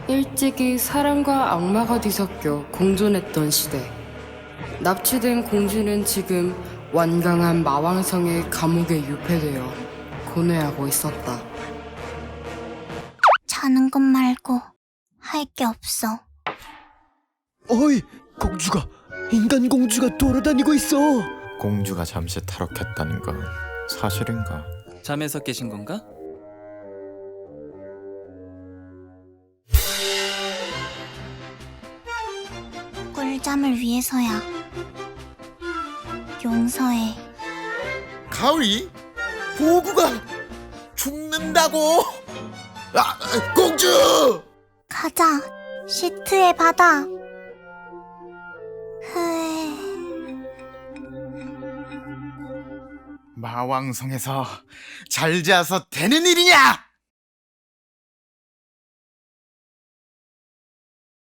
일찍이 사람과 악마가 뒤섞여 공존했던 시대. 납치된 공주는 지금 완강한 마왕성의 감옥에 유폐되어 고뇌하고 있었다. 자는 것 말고 할 게 없어. 어이, 공주가 인간 공주가 돌아다니고 있어. 공주가 잠시 탈옥했다는 건 사실인가? 잠에서 깨신 건가? 꿀잠을 위해서야. 용서해. 가을이? 보구가 죽는다고? 공주! 가자. 시트의 바다. 흐. 마왕성에서 잘 자서 되는 일이냐?